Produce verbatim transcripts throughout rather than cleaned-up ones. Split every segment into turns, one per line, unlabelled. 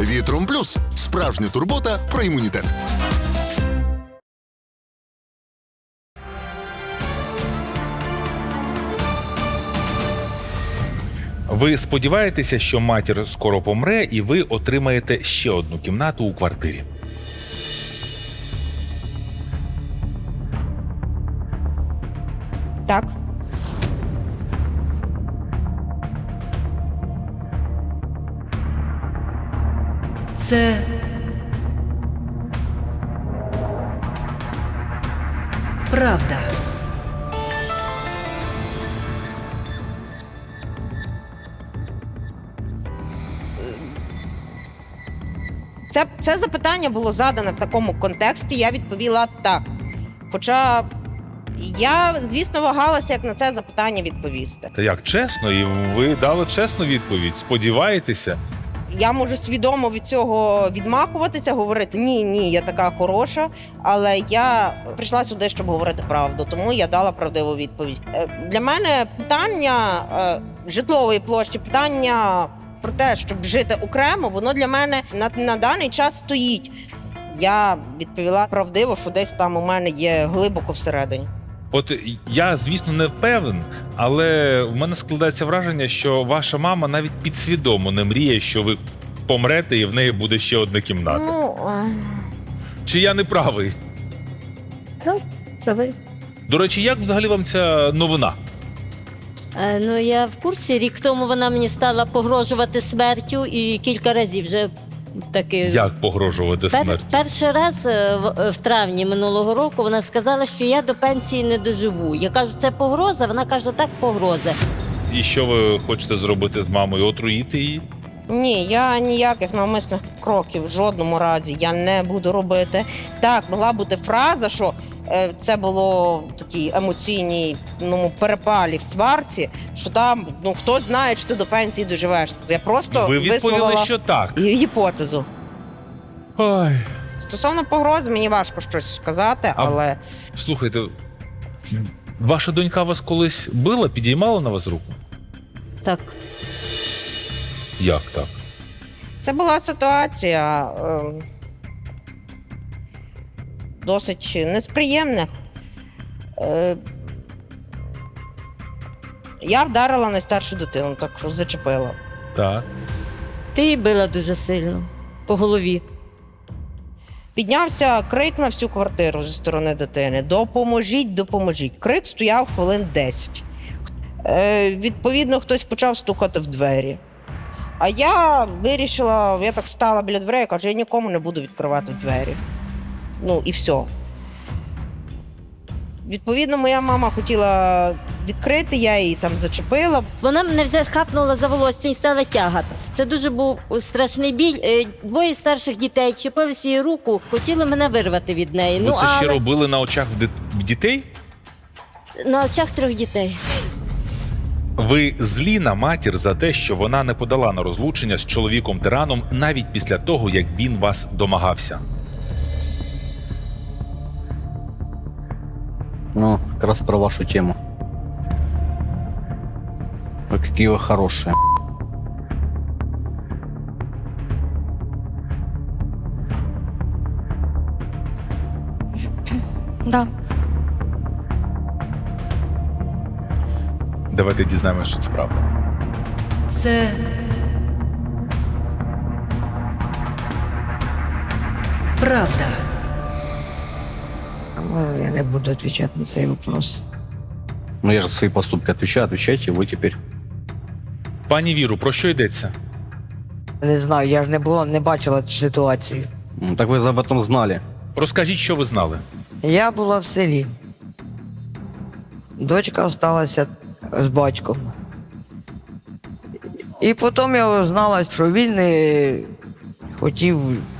Вітром Плюс – справжня турбота про імунітет.
Ви сподіваєтеся, що матір скоро помре, і ви отримаєте ще одну кімнату у квартирі.
Так.
Це правда.
Це, це запитання було задане в такому контексті, я відповіла так. Хоча я, звісно, вагалася, як на це запитання відповісти.
Та як, чесно? І ви дали чесну відповідь? Сподіваєтеся?
Я можу свідомо від цього відмахуватися, говорити ні, ні, я така хороша, але я прийшла сюди, щоб говорити правду, тому я дала правдиву відповідь. Е, Для мене питання е, житлової площі, питання про те, щоб жити окремо, воно для мене на, на даний час стоїть. Я відповіла правдиво, що десь там у мене є глибоко всередині.
От я, звісно, не впевнен, але в мене складається враження, що ваша мама навіть підсвідомо не мріє, що ви помрете і в неї буде ще одна кімната.
Ну, е...
Чи я не правий?
Так, це ви.
До речі, як взагалі вам ця новина?
Е, ну, я в курсі. Рік тому вона мені стала погрожувати смертю і кілька разів вже таки...
Як погрожувати
Пер,
смертю?
перший раз е, в, в травні минулого року вона сказала, що я до пенсії не доживу. Я кажу, це погроза? Вона каже, так, погроза.
І що ви хочете зробити з мамою? Отруїти її?
Ні, я ніяких навмисних кроків в жодному разі я не буду робити. Так, могла бути фраза, що е, це було в такій емоційній ну, перепалі в сварці, що там, ну, хтось знає, чи ти до пенсії доживеш. Я просто
Ви відповіли,
висловила
що так.
гі- гіпотезу.
Ой.
Стосовно погроз, мені важко щось сказати,
А-
але
Слухайте, ваша донька вас колись била, підіймала на вас руку?
Так.
Як так?
це була ситуація е, досить несприємна. Е, я вдарила найстаршу дитину, так що зачепила.
Так.
Ти її била дуже сильно по голові.
Піднявся крик на всю квартиру зі сторони дитини. Допоможіть, допоможіть. Крик стояв хвилин десять. Е, відповідно, хтось почав стукати в двері. А я вирішила, я так стала біля дверей, кажу, я нікому не буду відкривати двері. Ну і все. Відповідно, моя мама хотіла відкрити, я її там зачепила.
Вона мене взяла, схапнула за волосся і стала тягати. Це дуже був страшний біль. Е, Двоє старших дітей чіпилися її руку, хотіли мене вирвати від неї.
Ви
ну,
це ще
але
робили на очах в, дит... в дітей?
на очах трьох дітей.
Ви злі на матір за те, що вона не подала на розлучення з чоловіком-тираном навіть після того, як він вас домагався.
Ну, как раз про вашу тему. Вы какие вы хорошие.
Да.
Давайте дізнаємося, що це правда.
Це правда.
Я не буду отвечать на цей вопрос.
Ну, я же за свои поступки отвечаю, отвечайте вы теперь.
Пані Віру, про що йдеться?
Не знаю, я ж не було, не бачила цю ситуацію.
Ну, так вы об этом знали.
Розкажіть, що ви знали.
Я була в селі. Дочка залишилася з батьком. І потім я знала, що він е, хотів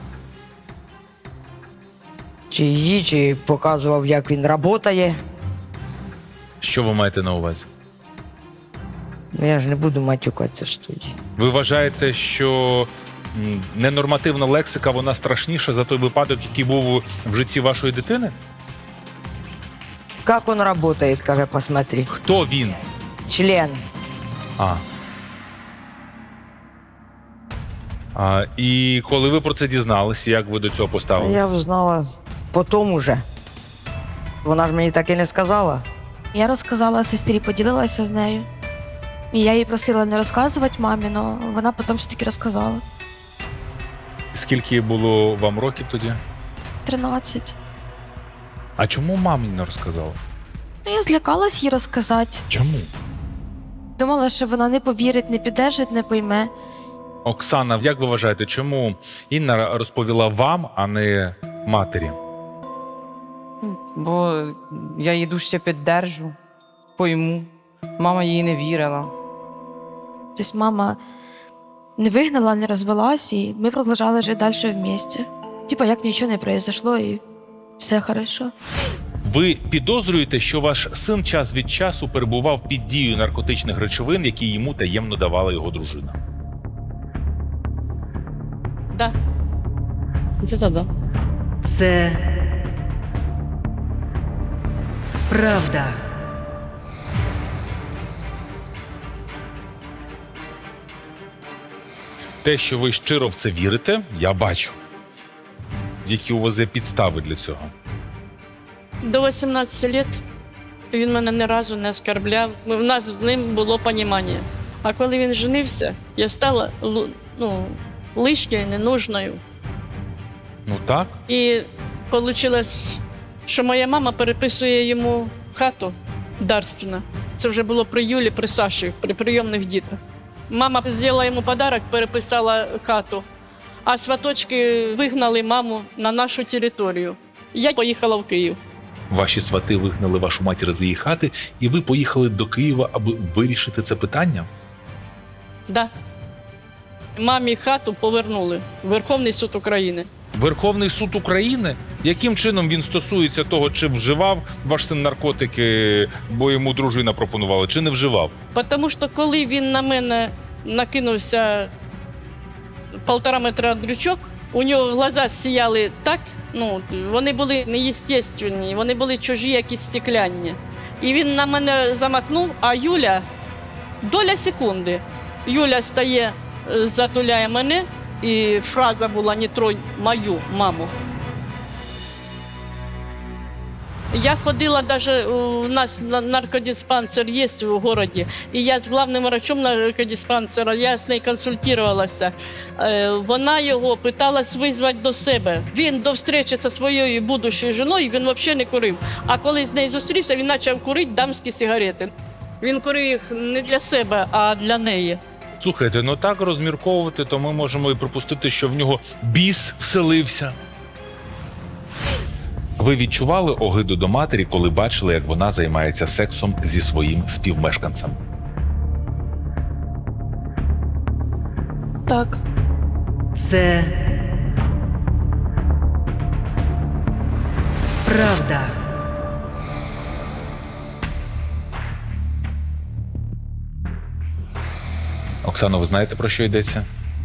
чи її, чи показував, як він працює.
Що ви маєте на увазі?
Ну, я ж не буду матюкатися в студії.
Ви вважаєте, що м, ненормативна лексика, вона страшніша за той випадок, який був в житті вашої дитини?
Як він працює, каже, посмотри.
Хто він?
Член.
А. А, і коли ви про це дізналися, як ви до цього
А
поставилися?
я знала потім уже. Вона ж мені так і не сказала.
Я розказала сестрі, поділилася з нею. І я їй просила не розказувати мамі, але вона потім все таки розказала.
Скільки було вам років тоді?
тринадцять.
А чому мамі не розказала?
Ну, я злякалась їй розказати.
Чому?
Думала, що вона не повірить, не піддержить, не пойме.
Оксана, як ви вважаєте, чому Інна розповіла вам, а не матері?
Бо я її дуже піддержу, пойму. Мама їй не вірила.
Тобто мама не вигнала, не розвелась, і ми продовжували жити далі в місті. Типа, як нічого не произошло, і все хорошо.
Ви підозрюєте, що ваш син час від часу перебував під дією наркотичних речовин, які йому таємно давала його дружина?
Да. Це да.
це правда.
Те, що ви щиро в це вірите, я бачу. Які у вас є підстави для цього?
До вісімнадцяти років він мене ні разу не оскорбляв. У нас з ним було розуміння. А коли він женився, я стала лу- ну, лишньою, ненужною.
Ну так.
І вийшло, що моя мама переписує йому хату дарственно. Це вже було при Юлі, при Саші, при прийомних дітях. Мама зробила йому подарок, переписала хату, а сваточки вигнали маму на нашу територію. Я поїхала в Київ.
Ваші свати вигнали вашу матір з її хати, і ви поїхали до Києва, аби вирішити це питання?
Да. Мамі хату повернули. Верховний суд України.
Верховний суд України? Яким чином він стосується того, чи вживав ваш син наркотики, бо йому дружина пропонувала, чи не вживав?
Тому що коли він на мене накинувся полтора метра дрючок, у нього глаза сіяли так, ну, вони були неєстественні, вони були чужі, якісь стекляні. І він на мене замахнув, а Юля, доля секунди, Юля стає, затуляє мене, і фраза була «Не тронь мою маму». Я ходила, даже у нас наркодиспансер є в місті, і я з главним врачом наркодиспансера, я з нею консультувалася. Вона його питалась визвати до себе. Він до зустрічі зі своєю будущою жіною, він взагалі не курив. А коли з нею зустрівся, він почав курити дамські сигарети. Він курив їх не для себе, а для неї.
Слухайте, ну так розмірковувати, то ми можемо і припустити, що в нього біс вселився. Ви відчували огиду до матері, коли бачили, як вона займається сексом зі своїм співмешканцем?
Так.
Це правда.
Оксано, ви знаєте, про що йдеться?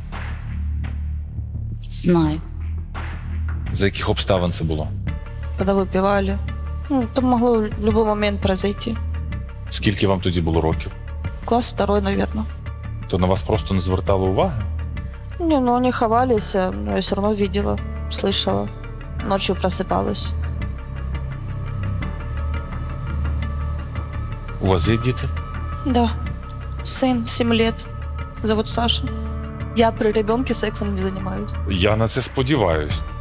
Знаю.
За яких обставин це було?
Коли випивали. Ну, там могло в будь-який момент произойти.
Скільки вам тоді було років?
Класс второй, наверное.
То на вас просто не звертали уваги?
Не, ну они ховались, но я все равно видела, слышала. Ночью просыпалась.
У вас є діти?
Да. Сын, семь лет. Зовут Саша. Я при ребенке сексом не занимаюсь.
Я на це сподіваюсь.